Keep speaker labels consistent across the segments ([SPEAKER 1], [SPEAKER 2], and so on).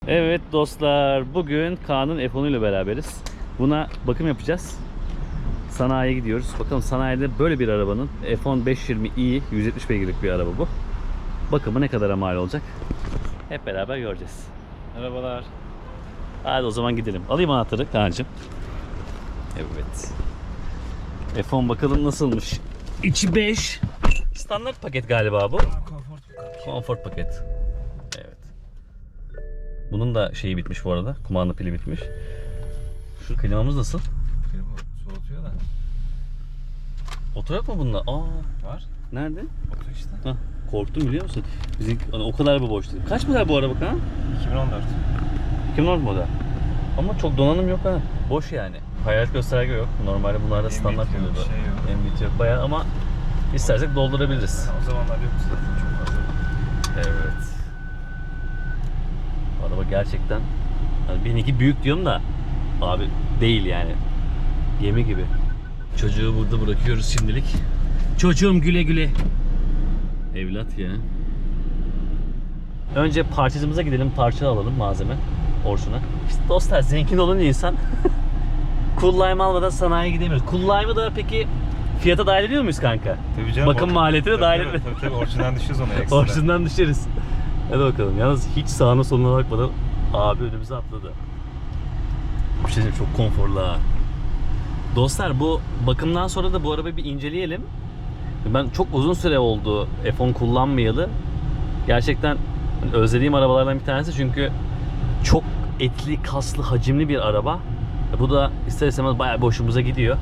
[SPEAKER 1] Evet dostlar, bugün Kaan'ın F10 ile beraberiz. Buna bakım yapacağız. Sanayiye gidiyoruz. Bakalım sanayide böyle bir arabanın F10 520i 170 beygirlik bir araba bu. Bakımı ne kadar mal olacak? Hep beraber göreceğiz. Merhabalar. Hadi o zaman gidelim. Alayım anahtarı Kaan'cığım. Evet. F10 bakalım nasılmış. İçi 5. Standart paket galiba bu. Comfort paket. Evet. Bunun da şeyi bitmiş bu arada. Kumanda pili bitmiş. Şu klimamız nasıl?
[SPEAKER 2] Klima soğutuyor da.
[SPEAKER 1] Oto yok mu bunda? Aa,
[SPEAKER 2] Var.
[SPEAKER 1] nerede?
[SPEAKER 2] Oto işte.
[SPEAKER 1] Hah, korktum biliyor musun? Bizim hani o kadar bir boş değil. Kaç model bu araba Kaan?
[SPEAKER 2] 2014.
[SPEAKER 1] 2014 model. Ama çok donanım yok ha. Boş yani. Hayalet gösterge yok. Normalde bunlarda standart
[SPEAKER 2] MBT yok,
[SPEAKER 1] oluyordu.
[SPEAKER 2] şey yok.
[SPEAKER 1] MBT yok bayağı ama istersek doldurabiliriz.
[SPEAKER 2] O zamanlar yoktu zaten çok fazla.
[SPEAKER 1] Evet. Araba gerçekten hani benimki büyük diyorum da abi değil yani. Gemi gibi. Çocuğu burada bırakıyoruz şimdilik. Çocuğum güle güle. Evlat ya. Önce parçacımıza gidelim, parça alalım malzeme. Orçun'a. İşte dostlar zengin olunca insan cool lime almadan sanayiye gidemiyoruz. Cool lime'ı da peki fiyata dahil ediyor muyuz kanka?
[SPEAKER 2] Tabii canım.
[SPEAKER 1] Bakım maliyetine
[SPEAKER 2] Tabii,
[SPEAKER 1] dahil
[SPEAKER 2] tabii,
[SPEAKER 1] etmiyoruz.
[SPEAKER 2] tabii Orçun'dan düşüyoruz ona ekstra.
[SPEAKER 1] Orçun'dan düşeriz. Hadi bakalım. Yalnız hiç sağına soluna bakmadan abi önümüze atladı. Bir şey diyeyim, çok konforlu ha. Dostlar bu bakımdan sonra da bu arabayı bir inceleyelim. Ben çok uzun süre oldu F10 kullanmayalı. Gerçekten özlediğim arabalardan bir tanesi çünkü çok etli, kaslı, hacimli bir araba. Bu da ister istemez bayağı bir hoşumuza gidiyor.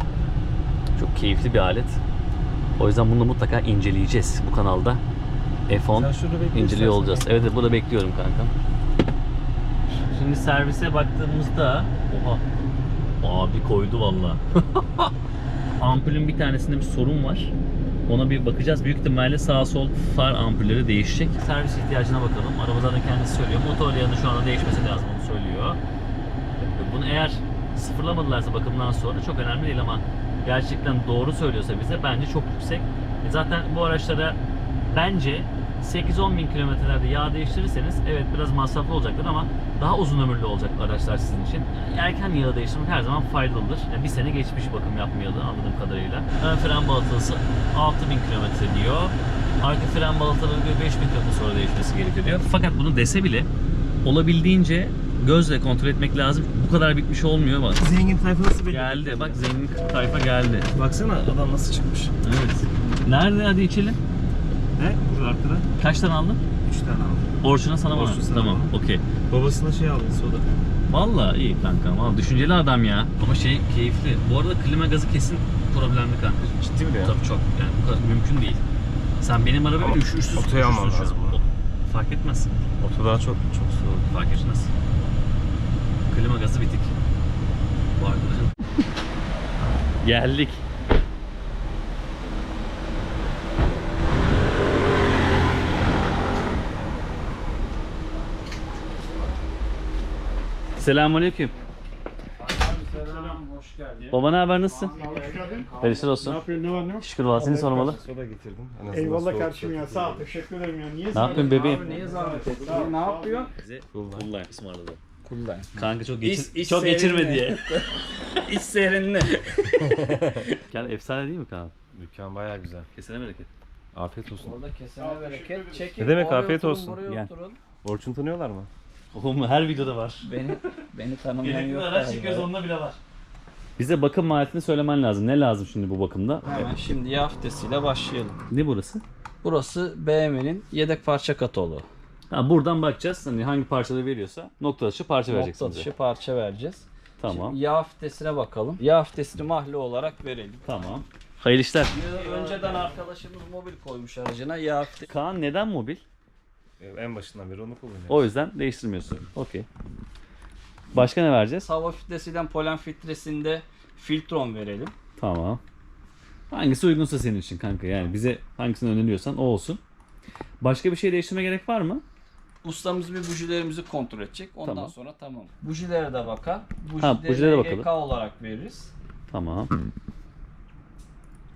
[SPEAKER 1] Çok keyifli bir alet. O yüzden bunu mutlaka inceleyeceğiz bu kanalda. F10 inceliyor olacağız. Evet, burada bekliyorum kankam. Şimdi servise baktığımızda oha abi koydu valla. Ampulün bir tanesinde bir sorun var. Ona bir bakacağız. Büyük ihtimalle sağ sol far ampulleri değişecek. Servis ihtiyacına bakalım. Araba zaten kendisi söylüyor. Motor yanı şu anda değişmesi lazım, onu söylüyor. Bunu eğer sıfırlamadılarsa bakımdan sonra çok önemli değil ama gerçekten doğru söylüyorsa bize bence çok yüksek. Zaten bu araçlara bence 8-10 bin kilometrelerde yağ değiştirirseniz evet biraz masraflı olacaktır ama daha uzun ömürlü olacak araçlar sizin için. Yani erken yağ değiştirmek her zaman faydalıdır. Yani bir sene geçmiş bakım yapmayalı anladığım kadarıyla. Ön fren balatası 6000 kilometre diyor. Arka fren balataları diyor 5000 kilometre sonra değişmesi gerekiyor diyor. Fakat bunu dese bile olabildiğince gözle kontrol etmek lazım. Bu kadar bitmiş olmuyor bak.
[SPEAKER 2] Zengin tayfa nasıl belli?
[SPEAKER 1] Geldi bak, zengin tayfa geldi.
[SPEAKER 2] Baksana adam nasıl çıkmış.
[SPEAKER 1] Evet. Nerede, hadi içelim.
[SPEAKER 2] Ne? Burada arkada.
[SPEAKER 1] Kaç tane aldın?
[SPEAKER 2] 3 tane aldım.
[SPEAKER 1] Orçun'a sana mı?
[SPEAKER 2] Orçun sana
[SPEAKER 1] Tamam,
[SPEAKER 2] bana.
[SPEAKER 1] okey.
[SPEAKER 2] Babasına şey aldı soda.
[SPEAKER 1] Vallahi iyi kanka. Vallahi düşünceli adam ya. Ama şey keyifli. Bu arada klima gazı kesin problemli kanka.
[SPEAKER 2] Ciddi mi ya?
[SPEAKER 1] Tabii çok. Yani bu kadar mümkün değil. Sen benim arabayı üşürsüz.
[SPEAKER 2] Otoya alman
[SPEAKER 1] üşürsüz
[SPEAKER 2] lazım
[SPEAKER 1] şu an.
[SPEAKER 2] bunu.
[SPEAKER 1] Fark etmez.
[SPEAKER 2] Oto daha çok soğuk.
[SPEAKER 1] Fark etmez. Klima gazı bitik. Bu arkadaşın. Geldik. Selamünaleyküm.
[SPEAKER 3] Selam, hoş geldin.
[SPEAKER 1] Baba ne haber, nasılsın?
[SPEAKER 3] Hoş geldin.
[SPEAKER 1] Perişan
[SPEAKER 3] Ne
[SPEAKER 1] olsun.
[SPEAKER 3] yapıyorsun, ne var ne yok?
[SPEAKER 1] Şükür valla, seni sormalı.
[SPEAKER 2] Soda getirdim. En azından
[SPEAKER 3] Eyvallah
[SPEAKER 2] soğuk
[SPEAKER 3] kardeşim ya,
[SPEAKER 2] soğuk
[SPEAKER 3] sağ ol,
[SPEAKER 2] soğuk.
[SPEAKER 3] teşekkür ederim ya. Niye
[SPEAKER 1] Ne yapıyorsun bebeğim?
[SPEAKER 4] Niye zahmet ettin?
[SPEAKER 3] Sağ ol,
[SPEAKER 4] Ne
[SPEAKER 3] sağ ol.
[SPEAKER 4] yapıyorsun?
[SPEAKER 1] Bize Kullan ısmarladı.
[SPEAKER 4] Kullan.
[SPEAKER 1] Kanka çok
[SPEAKER 4] İç
[SPEAKER 1] çok geçirme
[SPEAKER 4] seyrinle.
[SPEAKER 1] diye.
[SPEAKER 4] İç seyrinle.
[SPEAKER 1] Yani efsane değil mi Kaan?
[SPEAKER 2] Dükkan bayağı güzel.
[SPEAKER 1] Kesene bereket.
[SPEAKER 2] Afiyet olsun.
[SPEAKER 4] Orada kesene bereket. Çekin.
[SPEAKER 2] Ne demek,
[SPEAKER 4] oraya
[SPEAKER 2] afiyet
[SPEAKER 4] oturun,
[SPEAKER 2] olsun.
[SPEAKER 4] buraya
[SPEAKER 1] Gel.
[SPEAKER 4] oturun.
[SPEAKER 2] Orçun tanıyorlar mı?
[SPEAKER 1] Oğlum her videoda var.
[SPEAKER 4] Beni tanımayan yok galiba.
[SPEAKER 1] onunla bile var. Bize bakım maliyetini söylemen lazım. Ne lazım şimdi bu bakımda?
[SPEAKER 4] Hemen şimdi yağ fitesiyle başlayalım.
[SPEAKER 1] Ne burası?
[SPEAKER 4] Burası BMW'nin yedek parça kataloğu.
[SPEAKER 1] Ha, buradan bakacağız. Hani hangi parçaları veriyorsa nokta atışı parça vereceksin
[SPEAKER 4] Nokta
[SPEAKER 1] bize.
[SPEAKER 4] dışı parça vereceğiz.
[SPEAKER 1] Tamam.
[SPEAKER 4] Şimdi yağ fitesine bakalım. Yağ fitesini mahalle olarak verelim.
[SPEAKER 1] Tamam. Hayırlı işler.
[SPEAKER 4] Önceden arkadaşımız mobil koymuş aracına yağ fitesi.
[SPEAKER 1] Kaan neden mobil?
[SPEAKER 2] En başından beri onu kullanıyorum.
[SPEAKER 1] O yüzden değiştirmiyorsun. Okey. Başka ne vereceğiz?
[SPEAKER 4] Hava fitesiyle polen filtresinde filtron verelim.
[SPEAKER 1] Tamam. Hangisi uygunsa senin için kanka, yani bize hangisini öneriyorsan o olsun. Başka bir şey değiştirme gerek var mı?
[SPEAKER 4] Ustamız bir bujilerimizi kontrol edecek. Ondan
[SPEAKER 1] Tamam.
[SPEAKER 4] sonra tamam. Bujilere de bakar.
[SPEAKER 1] Ha, bujilere
[SPEAKER 4] Bujileri
[SPEAKER 1] bakalım.
[SPEAKER 4] EK olarak veririz.
[SPEAKER 1] Tamam.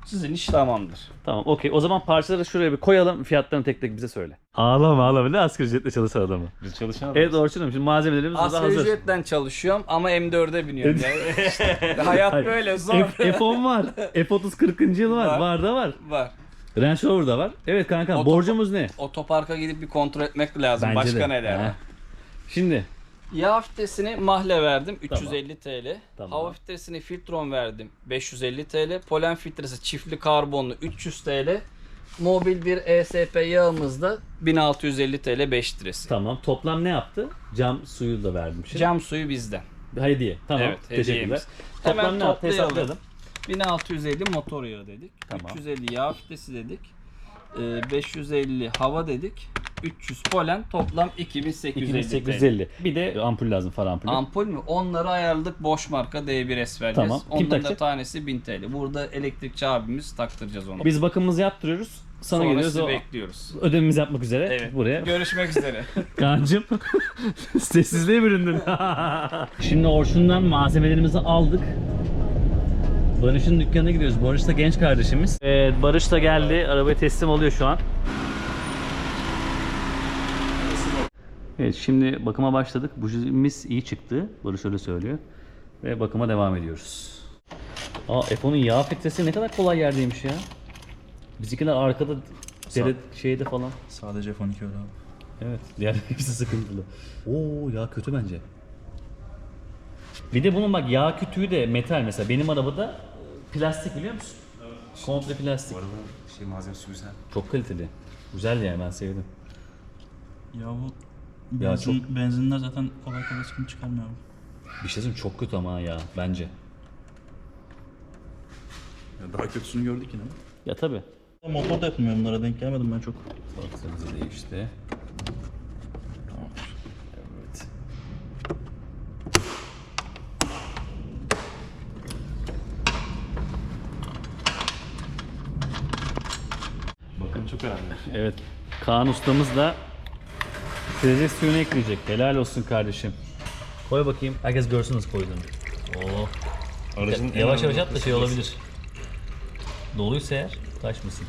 [SPEAKER 4] Sizin iş tamamdır.
[SPEAKER 1] Tamam okey. O zaman parçaları şuraya bir koyalım. Fiyatlarını tek tek bize söyle. Ağlama. Ne asgari ücretle çalışan adamı.
[SPEAKER 2] Biz çalışan
[SPEAKER 1] Evet Orçun'um şimdi malzemelerimiz burada
[SPEAKER 4] Asgari
[SPEAKER 1] hazır.
[SPEAKER 4] ücretten çalışıyorum ama M4'e biniyorum. Yani işte hayat
[SPEAKER 1] Hayır.
[SPEAKER 4] böyle zor.
[SPEAKER 1] F10 var. F30 40. yıl var.
[SPEAKER 4] Var.
[SPEAKER 1] Var da var.
[SPEAKER 4] Var.
[SPEAKER 1] Range Rover da var. Evet kanka
[SPEAKER 4] Otopa-
[SPEAKER 1] borcumuz ne?
[SPEAKER 4] Otoparka gidip bir kontrol etmek lazım.
[SPEAKER 1] Bence
[SPEAKER 4] Başka
[SPEAKER 1] de.
[SPEAKER 4] neler var?
[SPEAKER 1] Ha. Şimdi
[SPEAKER 4] Yağ filtresini Mahle verdim 350 TL.
[SPEAKER 1] Tamam.
[SPEAKER 4] Hava filtresini Filtron verdim 550 TL. Polen filtresi çiftli karbonlu 300 TL. Mobil bir ESP yağımız da 1650 TL 5 litresi.
[SPEAKER 1] tamam. Toplam ne yaptı? Cam suyu da verdim şimdi.
[SPEAKER 4] Cam suyu bizden.
[SPEAKER 1] Hediye. Tamam.
[SPEAKER 4] Evet,
[SPEAKER 1] Teşekkürler.
[SPEAKER 4] hediyemiz.
[SPEAKER 1] Toplam
[SPEAKER 4] Hemen
[SPEAKER 1] ne yaptı?
[SPEAKER 4] toplayalım.
[SPEAKER 1] Hesaplayalım.
[SPEAKER 4] 1650 motor yağı dedik.
[SPEAKER 1] Tamam.
[SPEAKER 4] 350 yağ filtresi dedik. 550 hava dedik. 300 polen toplam 2850 TL.
[SPEAKER 1] 2850. Bir de ampul lazım, far ampulü.
[SPEAKER 4] Ampul mü? Onları ayarladık. Bosch marka D1S vereceğiz.
[SPEAKER 1] Tamam. Kim
[SPEAKER 4] Onların da
[SPEAKER 1] takacak?
[SPEAKER 4] tanesi 1000 TL. Burada elektrikçi abimiz taktıracağız onu.
[SPEAKER 1] Biz bakımımızı yaptırıyoruz. Sana
[SPEAKER 4] Sonra
[SPEAKER 1] geliyoruz.
[SPEAKER 4] sizi
[SPEAKER 1] O
[SPEAKER 4] bekliyoruz.
[SPEAKER 1] ödememizi yapmak üzere
[SPEAKER 4] Evet.
[SPEAKER 1] buraya.
[SPEAKER 4] Görüşmek üzere.
[SPEAKER 1] Kaan'cım sessizliğe büründün. Şimdi Orçun'dan malzemelerimizi aldık. Barış'ın dükkanına gidiyoruz. Barış da genç kardeşimiz. Evet, Barış da geldi. Arabaya teslim oluyor şu an. Evet, şimdi bakıma başladık. Bujimiz iyi çıktı. Barış öyle söylüyor. Ve bakıma devam ediyoruz. Aa, F10'un yağ filtresi ne kadar kolay yerdeymiş ya. Bizimkiler arkada dere şeyde falan.
[SPEAKER 3] Sadece F12 öyle abi.
[SPEAKER 1] Evet, diğer hepsi sıkıntılı. Oo, yağ kötü bence. Bir de bunun bak yağ kütüğü de metal mesela. Benim arabada plastik biliyor musun? Evet. Komple plastik.
[SPEAKER 2] Malzemesi güzel.
[SPEAKER 1] Çok kaliteli. Güzel yani, ben sevdim.
[SPEAKER 3] Ya bu
[SPEAKER 1] Ya
[SPEAKER 3] benzinler zaten kolay kolay sıkıntı çıkarmıyor abi.
[SPEAKER 1] Bir şey söyleyeyim, çok kötü ama ya bence.
[SPEAKER 3] Ya daha kötüsünü gördük yine.
[SPEAKER 1] Ya tabi.
[SPEAKER 3] Motor da yapılmıyor, bunlara denk gelmedim ben çok.
[SPEAKER 1] Baktığımızda değişti. Evet.
[SPEAKER 2] Bakın çok önemli.
[SPEAKER 1] Evet. Kaan ustamız da freze suyunu ekleyecek. Helal olsun kardeşim. Koy bakayım. Herkes görsün nasıl koyduğunu. Oo.
[SPEAKER 2] Aracın en
[SPEAKER 1] Yavaş yavaş
[SPEAKER 2] önemli
[SPEAKER 1] at da şey
[SPEAKER 2] noktası
[SPEAKER 1] olabilir. Doluysa eğer taşmasın.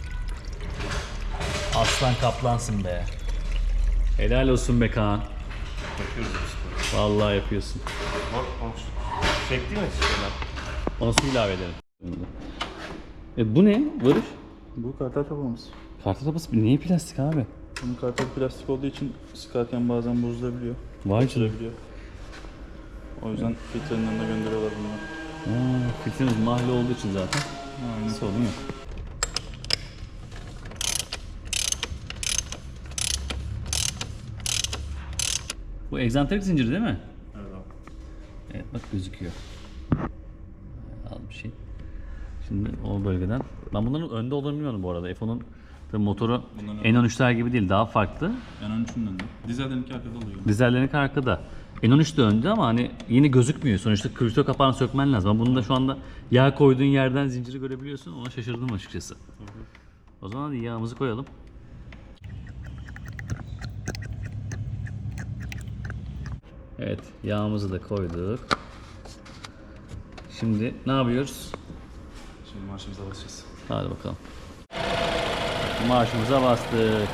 [SPEAKER 1] Aslan kaplansın be. Helal olsun be Kaan.
[SPEAKER 2] yapıyoruz biz sporu.
[SPEAKER 1] Vallahi yapıyorsun.
[SPEAKER 2] Çekti mi şeyler?
[SPEAKER 1] Ona su ilave edelim. Bu ne Barış?
[SPEAKER 3] Bu kartal kapağımız.
[SPEAKER 1] Kartal tapası niye plastik abi?
[SPEAKER 3] Bunun kartal plastik olduğu için sıkarken bazen bozulabiliyor.
[SPEAKER 1] Vay canına.
[SPEAKER 3] O yüzden filtrenin önüne gönderiyorlar bunları.
[SPEAKER 1] Filtremiz mahalle olduğu için zaten
[SPEAKER 3] Aynen.
[SPEAKER 1] sorun yok. Bu egzantrik zinciri değil mi?
[SPEAKER 3] Evet abi.
[SPEAKER 1] Evet bak gözüküyor. Al bir şey. Şimdi o bölgeden. Ben bunların önde olduğunu bilmiyordum bu arada. F10'un tabii motoru
[SPEAKER 3] Bunların-
[SPEAKER 1] N13'ler gibi değil, daha farklı.
[SPEAKER 3] Yani 13'ün önünde. Dizel'deki arkada oluyor.
[SPEAKER 1] Dizellerinki arkada. N13 de önde ama hani yine gözükmüyor. Sonuçta kripto kapağını sökmen lazım. Ama bunu da şu anda yağ koyduğun yerden zinciri görebiliyorsun. Ona şaşırdım açıkçası. O zaman hadi yağımızı koyalım. Evet, yağımızı da koyduk. Şimdi ne yapıyoruz?
[SPEAKER 3] Şimdi marşımıza basacağız.
[SPEAKER 1] Hadi bakalım. Marşımıza bastık.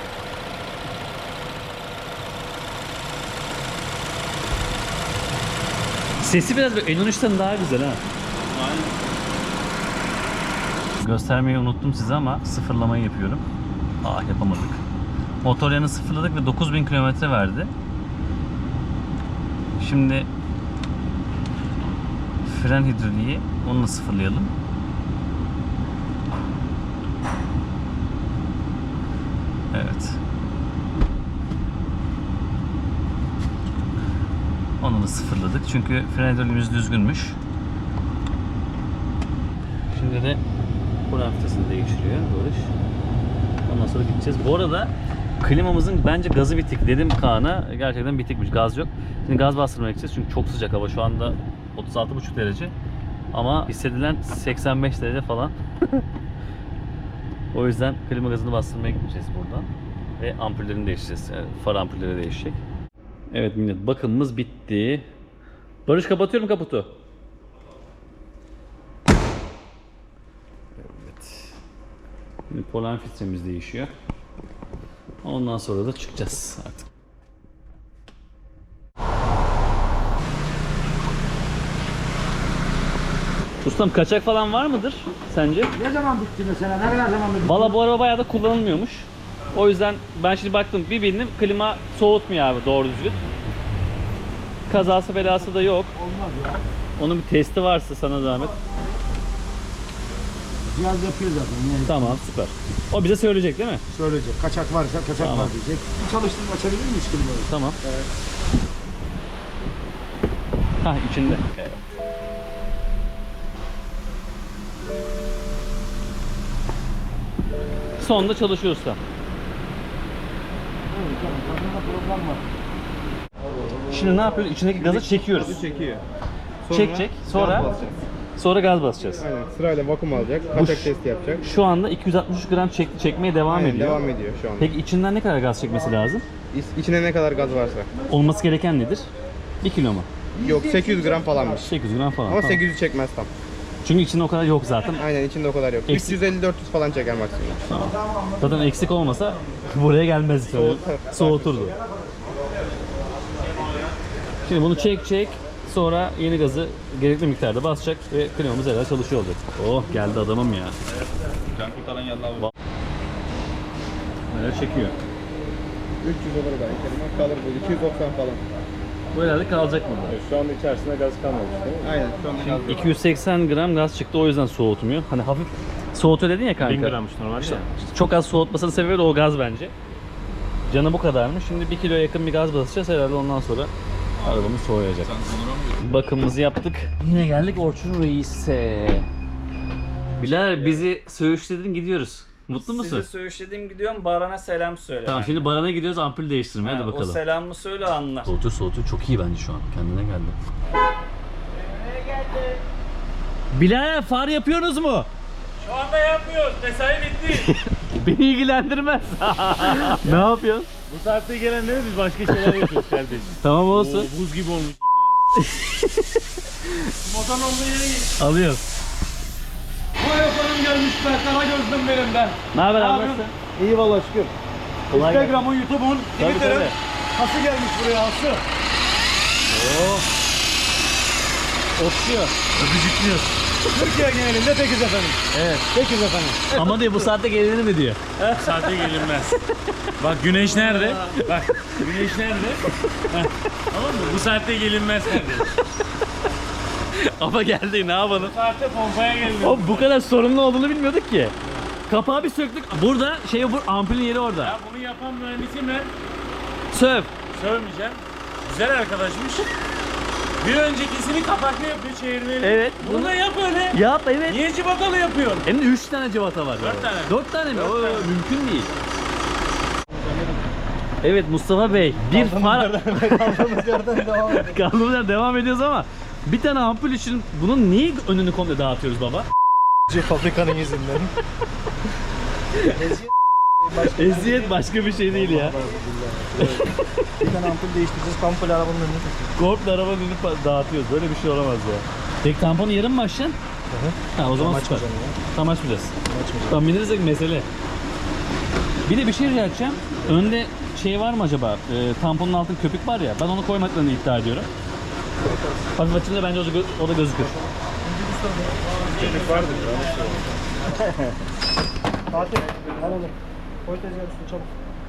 [SPEAKER 1] Sesi biraz böyle N13'ten daha güzel ha.
[SPEAKER 3] Aynen.
[SPEAKER 1] Göstermeyi unuttum size ama sıfırlamayı yapıyorum. Yapamadık. Motor yanı sıfırladık ve 9000 kilometre verdi. Şimdi fren hidroliği onunla sıfırlayalım. Evet. Onu da sıfırladık çünkü fren hidroliğimiz düzgünmüş. Şimdi de fren filtresini değiştiriyor Barış. Ondan sonra gideceğiz. Bu arada klimamızın bence gazı bitik. Dedim Kaan'a, gerçekten bitikmiş. Gaz yok. Şimdi gaz bastırmaya gideceğiz çünkü çok sıcak hava. Şu anda 36,5 derece. Ama hissedilen 85 derece falan. O yüzden klima gazını bastırmaya gideceğiz buradan. Ve ampullerini değiştireceğiz. Yani far ampulleri değişecek. Evet millet, bakımımız bitti. Barış kapatıyorum kaputu. Evet. Şimdi polen filtremiz değişiyor. Ondan sonra da çıkacağız artık. Ustam kaçak falan var mıdır sence?
[SPEAKER 5] Ne zaman bitti mesela? Ne kadar zaman bitti?
[SPEAKER 1] Valla bu araba bayağı da kullanılmıyormuş. O yüzden ben şimdi baktım bir bindim klima soğutmuyor abi doğru düzgün. Kazası belası da yok.
[SPEAKER 5] Olmaz ya.
[SPEAKER 1] Onun bir testi varsa sana zahmet.
[SPEAKER 5] Cihaz yapıyor zaten. Yani
[SPEAKER 1] Tamam süper. O bize söyleyecek değil mi?
[SPEAKER 5] söyleyecek. Kaçak varsa kaçak
[SPEAKER 1] Tamam.
[SPEAKER 5] var diyecek. Bir çalıştırıp açabilir miyiz klimayı?
[SPEAKER 1] Tamam. Ha içinde. Sonunda çalışıyor usta.
[SPEAKER 5] Evet, tamam. Kadında problem var.
[SPEAKER 1] Şimdi ne yapıyoruz? İçindeki gazı çekiyoruz.
[SPEAKER 6] Çekiyor.
[SPEAKER 1] Çekecek. Sonra gaz basacağız.
[SPEAKER 6] Aynen sırayla vakum alacak, kaçak testi yapacak.
[SPEAKER 1] Şu anda 263 gram çekmeye devam
[SPEAKER 6] Aynen,
[SPEAKER 1] ediyor.
[SPEAKER 6] devam ediyor şu anda.
[SPEAKER 1] Peki içinden ne kadar gaz çekmesi lazım?
[SPEAKER 6] İçine ne kadar gaz varsa.
[SPEAKER 1] Olması gereken nedir? 1 kilo mu?
[SPEAKER 6] Yok 800 gram falanmış.
[SPEAKER 1] 800 gram falan.
[SPEAKER 6] Ama
[SPEAKER 1] Tamam.
[SPEAKER 6] 800'ü çekmez tam.
[SPEAKER 1] Çünkü içinde o kadar yok zaten.
[SPEAKER 6] Aynen içinde o kadar yok.
[SPEAKER 1] Eksik.
[SPEAKER 6] 350-400 falan çeker maksimum.
[SPEAKER 1] Zaten eksik olmasa buraya gelmezdi. Soğuturdu. Şimdi bunu çek. Sonra yeni gazı gerekli miktarda basacak ve klimamız herhalde çalışıyor olacak. Oh geldi adamım ya.
[SPEAKER 3] Can kurtaran geldi abi.
[SPEAKER 1] Böyle çekiyor.
[SPEAKER 6] 300 olur belki. Kalır böyle 290 falan.
[SPEAKER 1] Bu herhalde kalacak burada.
[SPEAKER 2] Şu anda içerisinde gaz kalmamış değil mi?
[SPEAKER 6] Aynen şu anda gaz yok.
[SPEAKER 1] 280 gram gaz çıktı o yüzden soğutmuyor. Hani hafif soğutuyor dedin ya kanka.
[SPEAKER 2] 1000 grammış normalde ya.
[SPEAKER 1] Çok az soğutmasının sebebi de o gaz bence. Canı bu kadarmış. Şimdi 1 kiloya yakın bir gaz basacağız herhalde ondan sonra arabamız soğuyacak. Bakımımızı yaptık. Yine geldik Orçun Reis'e. Bilal bizi söğüşledin gidiyoruz. Mutlu musun?
[SPEAKER 4] Sizi söğüşlediğim gidiyorum. Baran'a selam söyle.
[SPEAKER 1] Tamam şimdi Baran'a gidiyoruz ampul değiştirmeye hadi
[SPEAKER 4] O
[SPEAKER 1] bakalım.
[SPEAKER 4] selamı söyle anla.
[SPEAKER 1] Soğutuyor çok iyi bence şu an. Kendine geldi. Bilal far yapıyorsunuz mu?
[SPEAKER 2] Şu anda yapmıyoruz. Mesai bitti.
[SPEAKER 1] Beni ilgilendirmez. Ne yapıyorsun?
[SPEAKER 2] Bu saatte gelenlere biz başka şeyler yapıyoruz kardeşim.
[SPEAKER 1] Tamam olsun.
[SPEAKER 2] Buz gibi olmuş. Motorun olduğu yere git.
[SPEAKER 1] Alıyorum.
[SPEAKER 5] Bu yapanım gelmiş be. Kara gözlüm benim ben.
[SPEAKER 1] Ne haber abi?
[SPEAKER 5] yapıyorsun? İyi valla şükür.
[SPEAKER 1] Kolay gelsin.
[SPEAKER 5] Instagram'ın, YouTube'un,
[SPEAKER 1] Tabii,
[SPEAKER 5] Twitter'ın
[SPEAKER 1] tabii.
[SPEAKER 5] hası gelmiş buraya hası.
[SPEAKER 1] Otluyor. Öpücüklüyor.
[SPEAKER 5] Türkiye genelinde tekiz efendim.
[SPEAKER 1] Evet.
[SPEAKER 5] Tekiz efendim.
[SPEAKER 1] Ama diyor bu saatte gelinir mi diyor.
[SPEAKER 2] Bu saatte gelinmez. Bak güneş nerede? Bak güneş nerede? Heh, tamam mı? Bu saatte gelinmez kardeşim.
[SPEAKER 1] Ama geldi ne yapalım?
[SPEAKER 2] Bu saatte pompaya gelinir.
[SPEAKER 1] O bu kadar sorunlu olduğunu bilmiyorduk ki. Kapağı bir söktük. Burada bu ampulün yeri orada.
[SPEAKER 2] Ya bunu yapan mühendisim ben.
[SPEAKER 1] Söv.
[SPEAKER 2] Sövmeyeceğim. Güzel arkadaşmış. Bir öncekisini kapaklı yapıyor çevirmeli.
[SPEAKER 1] Evet.
[SPEAKER 2] Bunu da yap öyle.
[SPEAKER 1] Yap evet.
[SPEAKER 2] Niye cibatalı yapıyorsun?
[SPEAKER 1] Hem de 3 tane cıvata var.
[SPEAKER 2] 4 tane.
[SPEAKER 1] 4 tane mi?
[SPEAKER 2] Dört
[SPEAKER 1] O
[SPEAKER 2] tane.
[SPEAKER 1] mümkün değil. Evet Mustafa Bey, bir far...
[SPEAKER 5] Kaldığımız yerden devam edelim.
[SPEAKER 1] Kaldığımız yerden devam ediyoruz ama bir tane ampul için bunun niye önünü komple dağıtıyoruz baba?
[SPEAKER 5] Fabrikanın yüzünden.
[SPEAKER 1] Eziyet başka bir şey değil ya.
[SPEAKER 5] Bir tane ampul değiştireceğiz. Komple arabanın önüne takacağız.
[SPEAKER 1] Komple arabanın önünü dağıtıyoruz. Böyle bir şey olamaz ya. Tek tamponu yarın mı açacaksın? Ha o zaman süper. Tam açmayacağız. Tam binirsek mesele. Bir de bir şey rica edeceğim. Önde şey var mı acaba? Tamponun altında köpük var ya. Ben onu koymaklarını iddia ediyorum. Hafif açınca bence o da gözükür.
[SPEAKER 5] Fatih alalım. Koy tezgahın üstüne çabuk.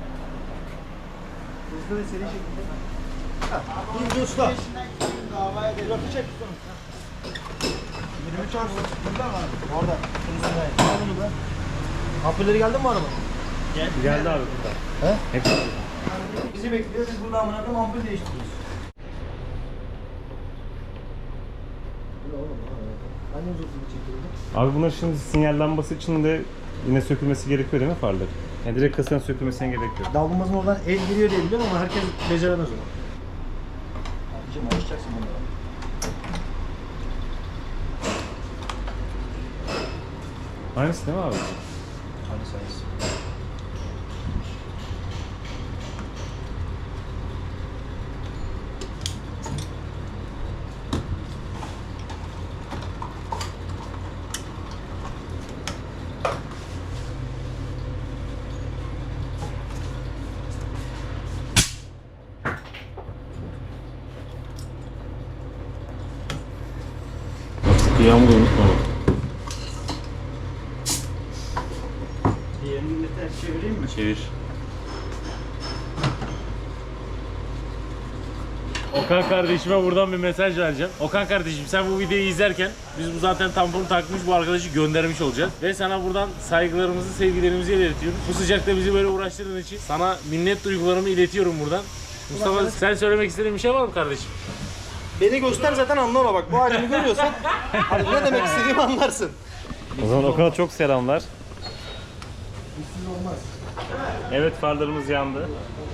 [SPEAKER 5] Hızlı ve seri şekilde. İnce usta. Rakı çek ustamız. 23 arsa. Burada mı abi? Orada. Al bunu da. Ampulleri geldi mi araba?
[SPEAKER 2] Geldi abi burada.
[SPEAKER 5] Bizi bekliyor. Biz burada amına koyayım ampul değiştiriyoruz. Hangi uzatımı çekiyordu?
[SPEAKER 2] Abi bunlar şimdi sinyal lambası için de yine sökülmesi gerekiyor değil mi farları? Yani direkt kasanın sökülmesine gerek yok.
[SPEAKER 5] Davlumbazın oradan el giriyor diye biliyorum ama herkes beceremez onu. Abicim alışacaksın bunlara.
[SPEAKER 2] Aynısı değil mi abi?
[SPEAKER 5] Hadi sayısı.
[SPEAKER 2] Yağmur unutma bak.
[SPEAKER 5] Diğerini de ters çevireyim mi?
[SPEAKER 2] Çevir. Okan kardeşime buradan bir mesaj vereceğim. Okan kardeşim, sen bu videoyu izlerken biz bu zaten tamponu takmış bu arkadaşı göndermiş olacağız. Ve sana buradan saygılarımızı, sevgilerimizi iletiyoruz. Bu sıcakta bizi böyle uğraştırdığın için sana minnet duygularımı iletiyorum buradan. Mustafa, sen söylemek istediğin bir şey var mı kardeşim?
[SPEAKER 5] Beni göster zaten anlama bak. Bu halimi görüyorsan hani ne demek istediğimi anlarsın.
[SPEAKER 2] O zaman Okan'a çok selamlar. Evet, farlarımız yandı.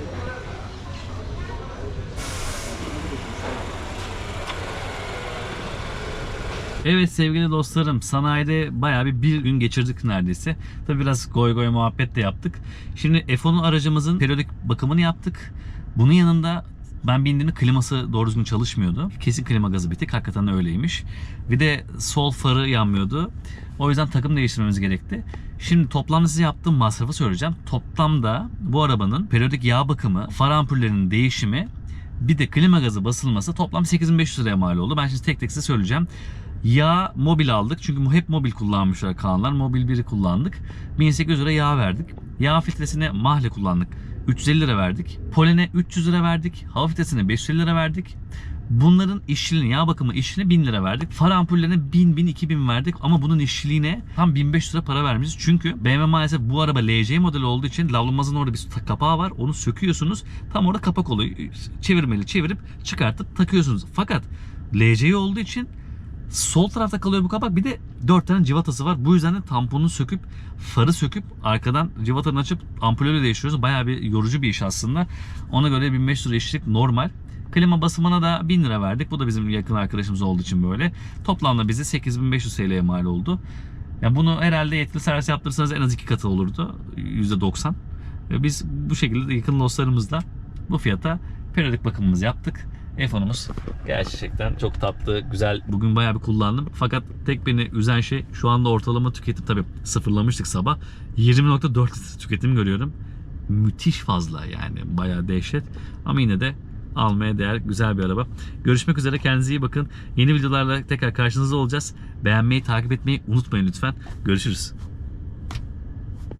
[SPEAKER 1] Evet sevgili dostlarım, sanayide bayağı bir gün geçirdik neredeyse. Tabi biraz goy goy muhabbet de yaptık. Şimdi F10 aracımızın periyodik bakımını yaptık. Bunun yanında ben bindiğimde kliması doğru düzgün çalışmıyordu. Kesin klima gazı bitik, hakikaten öyleymiş. Bir de sol farı yanmıyordu. O yüzden takım değiştirmemiz gerekti. Şimdi toplamda size yaptığım masrafı söyleyeceğim. Toplamda bu arabanın periyodik yağ bakımı, far ampullerinin değişimi, bir de klima gazı basılması toplam 8500 liraya mal oldu. Ben şimdi tek tek size söyleyeceğim. Yağ mobil aldık. Çünkü hep mobil kullanmışlar Kaanlar. Mobil 1'i kullandık. 1800 lira yağ verdik. Yağ filtresine mahle kullandık. 350 lira verdik. Polene 300 lira verdik. Hava filtresine 550 lira verdik. Bunların işçiliğine, yağ bakımı işçiliğine 1000 lira verdik. Far ampullerine 1000, 2000 verdik. Ama bunun işçiliğine tam 1500 lira para vermişiz. Çünkü BMW maalesef bu araba LC modeli olduğu için lavlamazın orada bir kapağı var. Onu söküyorsunuz. Tam orada kapak oluyor. Çevirmeli çevirip çıkartıp takıyorsunuz. Fakat LC olduğu için sol tarafta kalıyor bu kapak. Bir de 4 tane civatası var. Bu yüzden de tamponu söküp, farı söküp, arkadan civatanı açıp ampulleri değiştiriyoruz. Bayağı bir yorucu bir iş aslında. Ona göre 1500 lira işçilik normal. Klima basımına da 1000 lira verdik. Bu da bizim yakın arkadaşımız olduğu için böyle. Toplamda bize 8500 TL'ye mal oldu. Yani bunu herhalde yetkili servis yaptırsanız en az 2 katı olurdu. %90. Ve biz bu şekilde yakın dostlarımızla bu fiyata periyodik bakımımızı yaptık. F10'umuz gerçekten çok tatlı, güzel. Bugün bayağı bir kullandım. Fakat tek beni üzen şey şu anda ortalama tüketim, tabii sıfırlamıştık sabah. 20.4 litre tüketim görüyorum. Müthiş fazla yani, bayağı dehşet. Ama yine de almaya değer güzel bir araba. Görüşmek üzere, kendinize iyi bakın. Yeni videolarla tekrar karşınızda olacağız. Beğenmeyi, takip etmeyi unutmayın lütfen. Görüşürüz.